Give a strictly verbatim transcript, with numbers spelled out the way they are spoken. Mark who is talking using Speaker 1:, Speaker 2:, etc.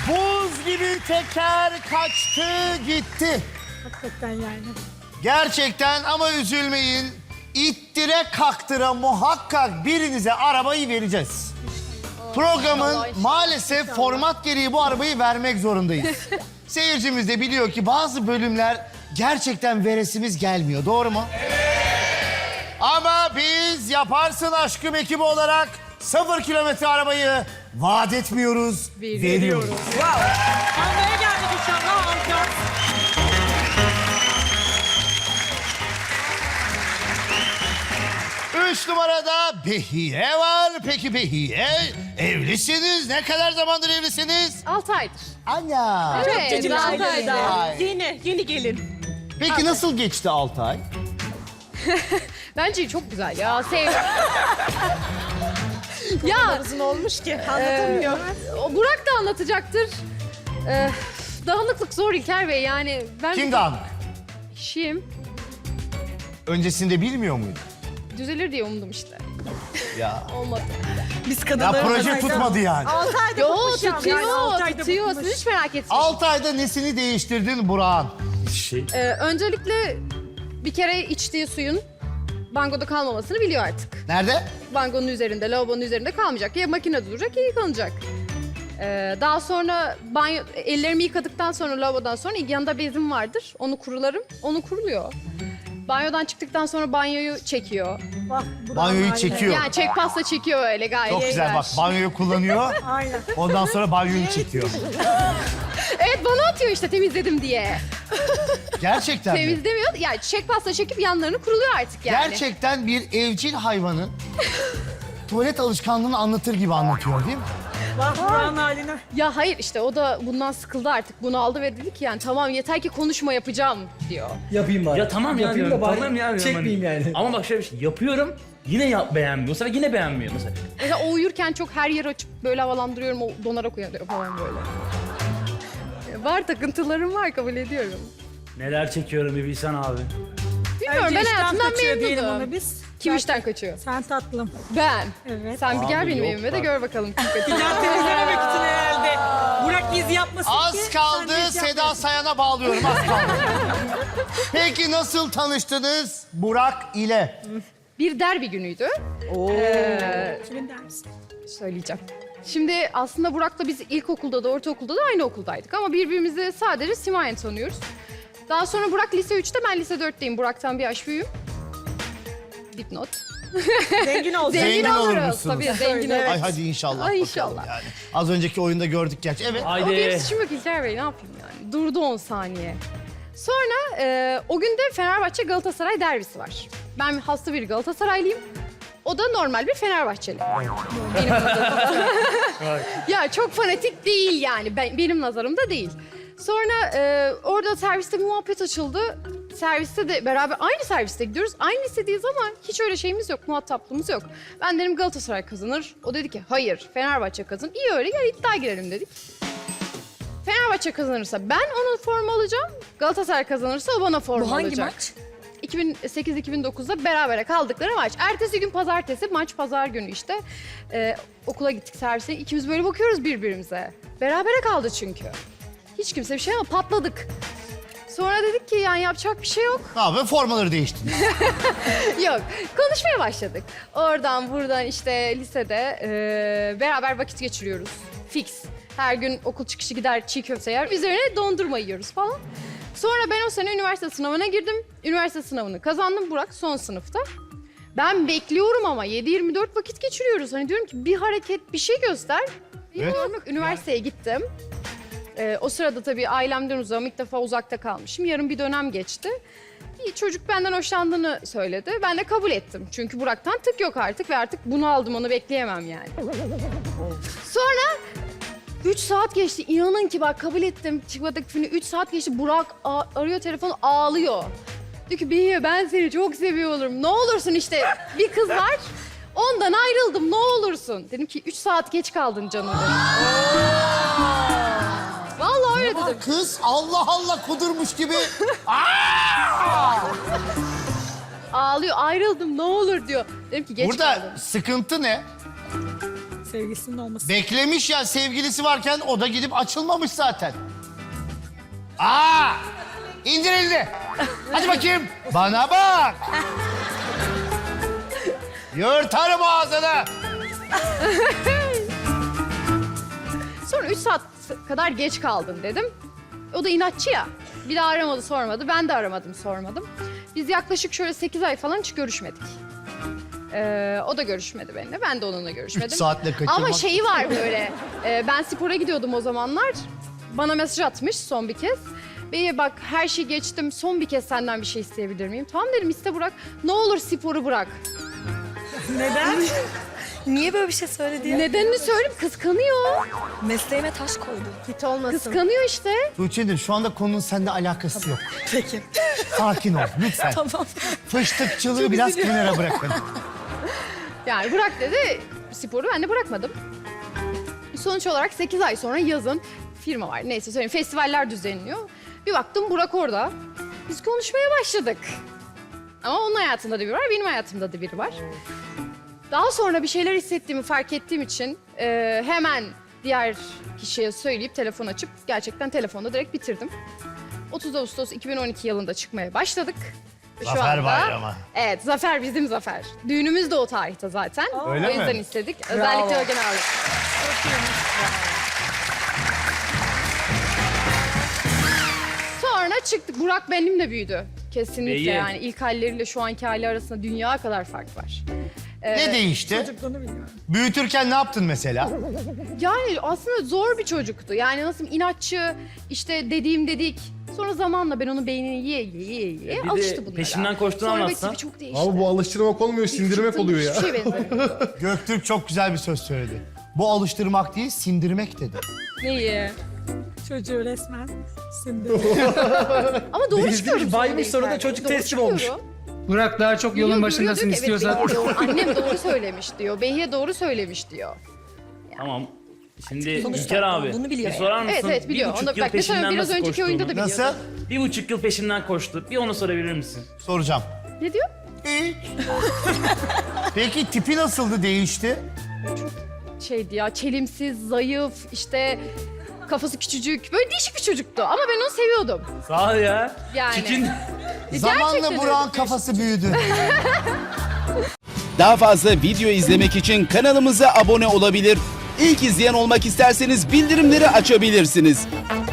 Speaker 1: Buz gibi teker kaçtı gitti.
Speaker 2: Hakikaten yani.
Speaker 1: Gerçekten ama üzülmeyin. İttire kaktıra muhakkak birinize arabayı vereceğiz. Programın
Speaker 3: inşallah, inşallah.
Speaker 1: maalesef format gereği bu arabayı vermek zorundayız. Seyircimiz de biliyor ki bazı bölümler gerçekten veresimiz gelmiyor. Doğru mu? Evet. Ama biz Yaparsın Aşkım ekibi olarak sıfır kilometre arabayı vaat etmiyoruz, veriyoruz.
Speaker 2: Almaya geldik inşallah alacağız.
Speaker 1: Üç numarada Behiye var. Peki Behiye, evlisiniz. Ne kadar zamandır evlisiniz?
Speaker 3: Altı aydır.
Speaker 1: Ana.
Speaker 3: Evet,
Speaker 2: Cicim
Speaker 3: altı
Speaker 2: ailesi.
Speaker 3: aydır.
Speaker 1: Ay.
Speaker 2: Yeni, yeni gelin.
Speaker 1: Peki nasıl geçti altı ay?
Speaker 3: Bence çok güzel ya. Sev... ya
Speaker 2: Uzun olmuş ki anlatamıyor.
Speaker 3: o Burak da anlatacaktır. Ee, dağınıklık zor İlker Bey yani. Ben
Speaker 1: Kim dağınık?
Speaker 3: kişiyim.
Speaker 1: Öncesinde bilmiyor muydu?
Speaker 3: Düzelir diye umdum işte.
Speaker 1: Ya.
Speaker 3: Olmadı.
Speaker 2: Biz
Speaker 1: Ya
Speaker 2: kadınlar
Speaker 1: proje tutmadı yani.
Speaker 2: altı ayda
Speaker 3: Yo
Speaker 2: bıkmış ya.
Speaker 3: tutuyor,
Speaker 2: Yani altı ayda
Speaker 3: tutuyor.
Speaker 2: bıkmış.
Speaker 3: Siz hiç merak etmeyin.
Speaker 1: Altı ayda nesini değiştirdin Burak'ın?
Speaker 4: Şey,
Speaker 3: Ee, öncelikle bir kere içtiği suyun bangoda kalmamasını biliyor artık.
Speaker 1: Nerede?
Speaker 3: Bangonun üzerinde, lavabonun üzerinde kalmayacak. Ya makinede duracak ya yıkanacak. Ee, daha sonra banyo, ellerimi yıkadıktan sonra lavabodan sonra yanında bezim vardır. Onu kurularım, onu kuruluyor. Banyodan çıktıktan sonra banyoyu çekiyor.
Speaker 2: Bak, Burak'ın
Speaker 1: Banyoyu
Speaker 2: haline.
Speaker 1: çekiyor.
Speaker 3: Yani çek pasta çekiyor öyle gayet.
Speaker 1: Çok güzel bak, banyoyu kullanıyor.
Speaker 2: Aynen.
Speaker 1: Ondan sonra banyoyu çekiyor.
Speaker 3: Evet bana atıyor işte temizledim diye.
Speaker 1: Gerçekten mi?
Speaker 3: Temizlemiyor. Yani çek pasta çekip yanlarını kuruluyor artık yani.
Speaker 1: Gerçekten bir evcil hayvanın tuvalet alışkanlığını anlatır gibi anlatıyor değil mi?
Speaker 2: Bak Burak'ın haline.
Speaker 3: Ya hayır işte o da bundan sıkıldı artık. Bunu aldı ve dedi ki yani tamam yeter ki konuşma yapacağım diyor.
Speaker 5: Yapayım bari.
Speaker 4: ya tamam ya
Speaker 5: Yapayım
Speaker 4: diyorum,
Speaker 5: da bari
Speaker 4: tamam ya diyorum.
Speaker 5: çekmeyeyim
Speaker 4: Hani-
Speaker 5: yani.
Speaker 4: Ama bak şöyle bir şey yapıyorum yine yap beğenmiyor. Sonra yine beğenmiyor mesela.
Speaker 3: Mesela o uyurken çok her yeri açıp böyle havalandırıyorum. O donarak uyanıyor falan böyle. Ya var takıntılarım var kabul ediyorum.
Speaker 4: Neler çekiyorum bir bilsen abi.
Speaker 3: Bilmiyorum
Speaker 2: Önce
Speaker 3: ben
Speaker 2: işten
Speaker 3: hayatımdan
Speaker 2: kaçıyor diyelim
Speaker 3: memnunum.
Speaker 2: ona biz.
Speaker 3: Kim
Speaker 2: Sen-
Speaker 3: işten kaçıyor?
Speaker 2: Sen tatlım.
Speaker 3: Ben.
Speaker 2: Evet.
Speaker 3: Sen bir gel
Speaker 4: Abi
Speaker 3: benim
Speaker 4: yok
Speaker 3: evime de
Speaker 4: bak.
Speaker 3: gör bakalım kim kaçıyor.
Speaker 2: Plan temizlememek için herhalde. Burak iz yapmasın ki.
Speaker 1: Az
Speaker 2: sen
Speaker 1: kaldı,
Speaker 2: de iz
Speaker 1: Seda
Speaker 2: yapmıyorsun.
Speaker 1: Sayan'a bağlıyorum, az kaldı. Peki nasıl tanıştınız Burak ile?
Speaker 3: Bir derbi günüydü.
Speaker 2: Kimin dersi?
Speaker 3: Söyleyeceğim. Şimdi aslında Burak'la biz ilkokulda da ortaokulda da aynı okuldaydık ama birbirimizi sadece simayen tanıyoruz. Daha sonra Burak lise üçte, ben lise dörtteyim. Burak'tan bir yaş büyüğüm. Dipnot.
Speaker 2: Zengin olsun.
Speaker 3: Zengin,
Speaker 1: Zengin olur
Speaker 3: oluruz.
Speaker 1: musunuz?
Speaker 3: Tabii zengin
Speaker 2: Evet.
Speaker 3: oluruz.
Speaker 1: Ay hadi inşallah
Speaker 3: Ay
Speaker 1: bakalım
Speaker 3: inşallah.
Speaker 1: yani. Az önceki oyunda gördük gerçi. Evet.
Speaker 3: O benim
Speaker 4: Haydi.
Speaker 3: suçum yok İlker Bey, ne yapayım yani. Durdu on saniye. Sonra e, o gün de Fenerbahçe Galatasaray derbisi var. Ben hasta bir Galatasaraylıyım. O da normal bir Fenerbahçeli. Benim nazarımda. Ya çok fanatik değil yani. Ben, benim nazarımda değil. Sonra e, orada serviste bir muhabbet açıldı. Serviste de beraber aynı serviste gidiyoruz. Aynı lisedeyiz ama hiç öyle şeyimiz yok, muhataplığımız yok. Ben dedim Galatasaray kazanır. O dedi ki hayır Fenerbahçe kazanır. İyi öyle gel iddia girelim dedik. Fenerbahçe kazanırsa ben onun forma alacağım. Galatasaray kazanırsa o bana forma
Speaker 2: Bu hangi
Speaker 3: alacak.
Speaker 2: maç?
Speaker 3: iki bin sekiz iki bin dokuzda berabere kaldıkları maç. Ertesi gün pazartesi, maç pazar günü işte. Ee, okula gittik servise. İkimiz böyle bakıyoruz birbirimize. Berabere kaldı çünkü. Hiç kimse bir şey ama patladık. Sonra dedik ki yani yapacak bir şey yok.
Speaker 1: Ne yapayım? Formaları değiştin.
Speaker 3: Yok. Konuşmaya başladık. Oradan buradan işte lisede e, beraber vakit geçiriyoruz. Fix. Her gün okul çıkışı gider çiğ köfte yer. Üzerine dondurma yiyoruz falan. Sonra ben o sene üniversite sınavına girdim. Üniversite sınavını kazandım. Burak son sınıfta. Ben bekliyorum ama yedi yirmi dört vakit geçiriyoruz. Hani diyorum ki bir hareket, bir şey göster. Bilmiyorum yok. Üniversiteye gittim. Ee, o sırada tabii ailemden uzağım. İlk defa uzakta kalmışım. Yarın bir dönem geçti. Bir çocuk benden hoşlandığını söyledi. Ben de kabul ettim. Çünkü Burak'tan tık yok artık ve artık bunu aldım, onu bekleyemem yani. Sonra üç saat geçti. İnanın ki bak kabul ettim. Çıkmadık filmi. Üç saat geçti. Burak a- arıyor telefonu, ağlıyor. Diyor ki Behiye ben seni çok seviyorum. Ne olursun işte bir kız var. Ondan ayrıldım ne olursun. Dedim ki üç saat geç kaldın canım dedim. Vallahi öyle dedim.
Speaker 1: Kız Allah Allah kudurmuş gibi.
Speaker 3: Ağlıyor ayrıldım ne olur diyor. Dedim ki geç
Speaker 1: Burada
Speaker 3: kaldın.
Speaker 1: sıkıntı ne?
Speaker 2: Sevgisinin olması.
Speaker 1: Beklemiş ya, sevgilisi varken o da gidip açılmamış zaten. Aa! İndir elini. Hadi bakayım. Bana bak. Yırtarım ağzını.
Speaker 3: Sonra üç saat kadar geç kaldın dedim. O da inatçı ya. Bir daha aramadı sormadı. Ben de aramadım sormadım. Biz yaklaşık şöyle sekiz ay falan hiç görüşmedik. Ee, o da görüşmedi benimle. Ben de onunla görüşmedim.
Speaker 1: Üç saatle kaçırmak.
Speaker 3: Ama şeyi var böyle. e, ben spora gidiyordum o zamanlar. Bana mesaj atmış son bir kez. Beye bak her şeyi geçtim. Son bir kez senden bir şey isteyebilir miyim? Tamam dedim, iste Burak. Ne olur sporu bırak.
Speaker 5: Neden? Niye böyle bir şey söyledi ya?
Speaker 3: Nedenini söyleyeyim, kıskanıyor.
Speaker 5: Mesleğime taş koydu.
Speaker 3: Git olmasın. Kıskanıyor işte.
Speaker 1: Tuğçe'dir, şu anda konunun seninle alakası yok.
Speaker 5: Peki.
Speaker 1: Sakin ol lütfen.
Speaker 5: Tamam.
Speaker 1: Fıştıkçılığı biraz kenara bırakın.
Speaker 3: Yani bırak dedi, sporu ben de bırakmadım. Sonuç olarak sekiz ay sonra yazın firma var. Neyse söyleyeyim, festivaller düzenliyor. Bir baktım Burak orada. Biz konuşmaya başladık. Ama onun hayatında da biri var, benim hayatımda da biri var. Daha sonra bir şeyler hissettiğimi fark ettiğim için e, hemen diğer kişiye söyleyip telefon açıp gerçekten telefonda direkt bitirdim. otuz Ağustos iki bin on iki yılında çıkmaya başladık. Ve şu
Speaker 1: Zafer
Speaker 3: anda-
Speaker 1: Bayramı.
Speaker 3: Evet, zafer bizim zafer. Düğünümüz de o tarihte zaten.
Speaker 1: Öyle
Speaker 3: o yüzden
Speaker 1: mi?
Speaker 3: istedik. Özellikle Ögen abi. Sonra çıktık. Burak benimle büyüdü. Kesinlikle
Speaker 4: Değil.
Speaker 3: yani. İlk halleriyle şu anki hali arasında dünya kadar fark var. Ee,
Speaker 1: Ne değişti?
Speaker 2: Çocukluğunu bilmiyorum.
Speaker 1: Büyütürken ne yaptın mesela?
Speaker 3: Yani aslında zor bir çocuktu. Yani nasıl inatçı, işte dediğim dedik. Sonra zamanla ben onun beynini yiye yiye yiye
Speaker 4: Bir de
Speaker 3: alıştı bunlara.
Speaker 4: peşinden koştuğunu
Speaker 3: Sonra
Speaker 4: anlatsan.
Speaker 3: tipi çok değişti.
Speaker 6: Abi bu alıştırmak olmuyor, sindirmek oluyor ya.
Speaker 3: Hiçbir şey benzemiyor.
Speaker 1: Göktürk çok güzel bir söz söyledi. Bu alıştırmak değil, sindirmek dedi.
Speaker 3: Neyi?
Speaker 2: Çocuğu resmen sindi.
Speaker 3: Ama doğru
Speaker 4: Bezdirmiş,
Speaker 3: çıkıyorum.
Speaker 4: baymış,
Speaker 3: sonra
Speaker 4: sonra da
Speaker 3: ilk
Speaker 4: çocuk
Speaker 3: Doğru
Speaker 4: teslim olmuş.
Speaker 3: çıkıyorum.
Speaker 7: Burak daha çok yolun
Speaker 3: Biliyor,
Speaker 7: başındasın
Speaker 3: görüyor, diyor ki,
Speaker 7: istiyorsan.
Speaker 3: Evet, Behiye doğru- annem doğru söylemiş diyor. Behiye doğru söylemiş diyor.
Speaker 4: Tamam. Şimdi
Speaker 5: Sonuçta
Speaker 4: İlker abi.
Speaker 5: olduğunu biliyor
Speaker 4: bir sorar mısın?
Speaker 3: Evet evet biliyor.
Speaker 4: Bir buçuk
Speaker 3: Onu,
Speaker 4: yıl
Speaker 3: bak mesela
Speaker 4: peşinden
Speaker 3: biraz
Speaker 4: nasıl
Speaker 3: önceki oyunda da
Speaker 4: koştuğunu.
Speaker 3: biliyordu.
Speaker 1: Nasıl?
Speaker 4: Bir buçuk yıl peşinden koştu. Bir onu sorabilir misin?
Speaker 1: Soracağım.
Speaker 3: Ne diyor?
Speaker 1: Hiç. Peki tipi nasıldı, değişti?
Speaker 3: Şeydi ya, çelimsiz, zayıf, işte kafası küçücük. Böyle değişik bir çocuktu ama ben onu seviyordum.
Speaker 4: Sağ ol ya.
Speaker 3: Yani.
Speaker 4: Çirkin.
Speaker 1: Zamanla
Speaker 3: Gerçekten
Speaker 1: Burak'ın
Speaker 3: öyle.
Speaker 1: kafası büyüdü.
Speaker 8: Daha fazla video izlemek için kanalımıza abone olabilir. İlk izleyen olmak isterseniz bildirimleri açabilirsiniz.